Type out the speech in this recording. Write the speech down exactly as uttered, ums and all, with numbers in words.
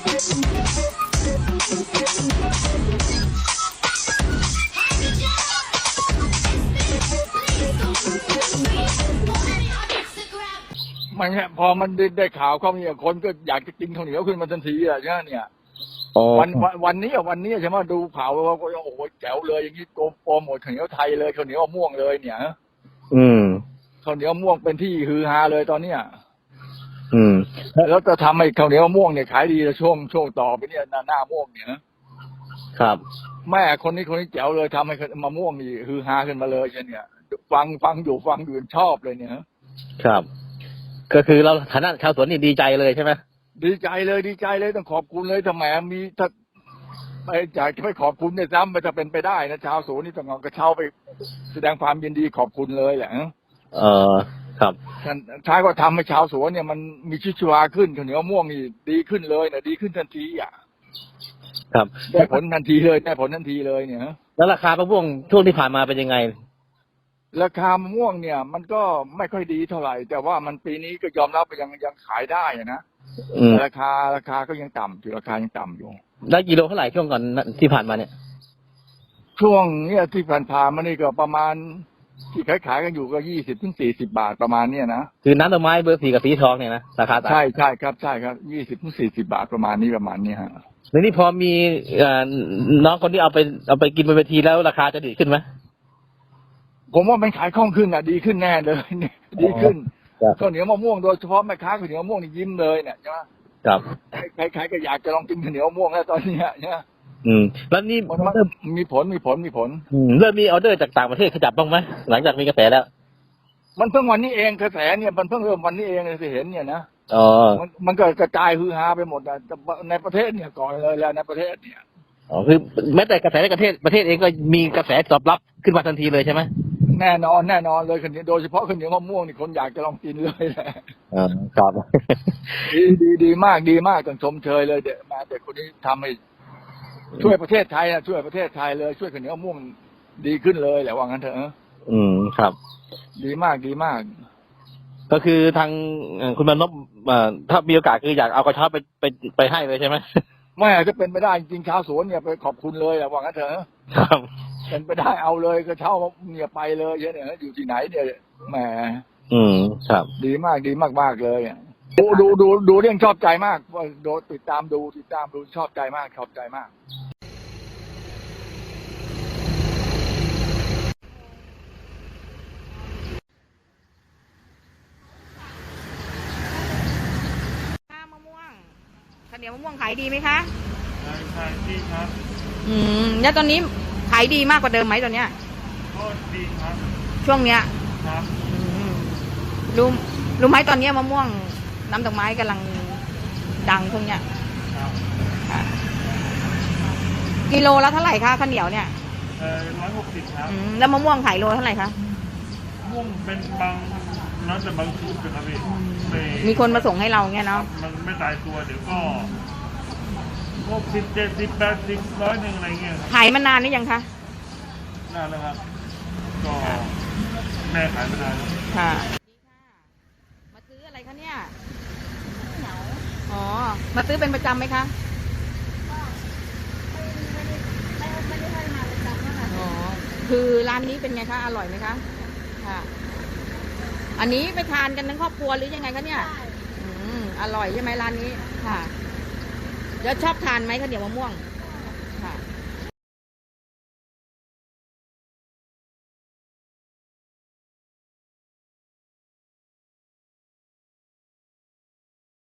มันเนี่ยพอมันได้ได้ข่าวเขาเนี่ยคนก็อยากจะกินข้าวเหนียวขึ้นมาทันทีอ่ะใช่ไหมเนี่ยวันวันวันนี้วันนี้ใช่ไหมดูข่าวว่าโอ้โหแจ๋วเลยอย่างนี้โกโปรโมทข้าวเหนียวไทยเลยข้าวเหนียวม่วงเลยเนี่ยอืมข้าวเหนียวม่วงเป็นที่ฮือฮาเลยตอนเนี้ยอืมแล้วจะทำให้ข้าวเหนียวม่วงเนี่ยขายดีช่วงช่วงต่อไปเนี่ยหน้าหน้าม่วงเนี่ยครับแม่คนนี้คนนี้แจ๋วเลยทำให้มะม่วงนี่ฮือฮาขึ้นมาเลยใช่เนี่ยฟังฟังอยู่ฟังอยู่ชอบเลยเนี่ยครับก็คือเราฐานะชาวสวนนี่ดีใจเลยใช่ไหมดีใจเลยดีใจเลยต้องขอบคุณเลยถ้าแหมมีถ้าไปอยากจะไปขอบคุณเนี่ยซ้ำไปจะเป็นไปได้นะชาวสวนนี่ต้องเอากระเช้าไปแสดงความยินดีขอบคุณเลยแหละเออครับท้ายก็ทำให้ชาวสวนเนี่ยมันมีชีวิตชีวาขึ้นข้าวเหนียวม่วงนี่ดีขึ้นเลยนะดีขึ้นทันทีอ่ะครับได้ผลทันทีเลยได้ผลทันทีเลยเนี่ยแล้วราคามะม่วงช่วงที่ผ่านมาเป็นยังไงราคามะม่วงเนี่ยมันก็ไม่ค่อยดีเท่าไหร่แต่ว่ามันปีนี้ก็ยอมรับว่ายังยังขายได้นะราคาราคาก็ยังต่ำอยู่ราคายังต่ำอยู่ได้กิโลเท่าไหร่ช่วงก่อนที่ผ่านมาเนี่ยช่วงเนี้ยที่ผ่านผ่านมานี่ก็ประมาณที่ขายขายกันอยู่ก็ยี่สิบถึงสี่สิบบาทประมาณเนี้ยนะคือน้ำดอกไม้เบอร์สี่กับสีทองเนี่ยนะราคาต่างใช่ใช่ครับใช่ครับยี่สิบถึงสี่สิบบาทประมาณนี้ประมาณนี้ฮะแล้วนี่พอมีน้องคนที่เอาไปเอาไปกินบนเวทีแล้วราคาจะดีขึ้นไหมผมว่ามันขายคล่องขึ้นอ่ะดีขึ้นแน่เลยดีขึ้นข้าวเหนียวมะม่วงโดยเฉพาะแม่ค้าข้าวเหนียวมะม่วงนี่ยิ้มเลยเนี่ยใช่ไหมครับใครๆก็อยากจะลองกินข้าวเหนียวมะม่วงแล้วตอนนี้เนี่ยอืมแล้วนี่มันมีผลมีผลมีผลเริ่มมีออเดอร์จากต่างประเทศขยับบ้างไหมหลังจากมีกระแสแล้วมันเพิ่งวันนี้เองกระแสเนี่ยมันเพิ่งเริ่มวันนี้เองเลยที่เห็นเนี่ยนะอ๋อมันมันก็กระจายฮือฮาไปหมดในประเทศเนี่ยก่อนเลยแล้วในประเทศเนี่ยอ๋อคือแม้แต่กระแสในประเทศประเทศเองก็มีกระแสตอบรับขึ้นมาทันทีเลยใช่ไหมแน่นอนแน่นอนเลยคนนี้โดยเฉพาะข้าวเหนียวมะม่วงนี่คนอยากจะลองกินเลยแหละอ่าครับดีดีดีมากดีมากต้องชมเชยเลยเด็กมาเด็กคนนี้ทำให้ช่วยประเทศไทยนะช่วยประเทศไทยเลยช่วยข้าวเหนียวมะม่วงดีขึ้นเลยแหละว่างั้นเถอะอืมครับดีมากดีมากก็คือทางคุณมานพถ้ามีโอกาสคืออยากเอากระเช้าไปไปไปให้เลยใช่ไหมไม่จะเป็นไปได้จริงชาวสวนเนี่ยไปขอบคุณเลยแหละว่างั้นเถอะครับเป็นไปได้เอาเลยกระเช้าเนี่ยไปเลยเนี่ยอยู่ที่ไหนเนี่ยแหมอืมครับดีมากดีมากมากเลยดูดูดูดูเรื่องชอบใจมากว่าดูติดตามดูติดตามดูชอบใจมากชอบใจมากมะม่วงข้าวเหนียวมะม่วงขายดีไหมคะขายดีครับอืมแล้วตอนนี้ขายดีมากกว่าเดิมไหมตอนเนี้ยก็ดีครับช่วงเนี้ยครับรู้รู้ไหมตอนนี้มะม่วงน้ำดอกไม้กำลังดังช่วงเนี้ยครับกิโลละเท่าไหร่คะข้าวเหนียวเนี่ยเออร้อยหกสิบครับแล้วมะม่วงขายโลเท่าไหร่คะม่วงเป็นบางน้ำแต่บางชุดนะครับพี่มีคนมาส่งให้เราเงี้ยเนาะมันไม่ตายตัวเดี๋ยวก็หกสิบเจ็ดสิบแปดสิบร้อยหนึ่งอะไรเงี้ยขายมานานนี่ยังคะนานแล้วครับก็แม่ขายมานานแล้วค่ะมาซื้ออะไรคะเนี่ยเหนาอ๋อมาซื้อเป็นประจำไหมคะไม่ไม่ได้ไม่ได้มาประจำนะคะอ๋อคือร้านนี้เป็นไงคะอร่อยไหมคะค่ะอันนี้ไปทานกันทั้งครอบครัวหรือยังไงคะเนี่ยอืมอร่อยใช่ไหมร้านนี้ค่ะแล้วชอบทานไหมข้าวเหนียวมะม่วง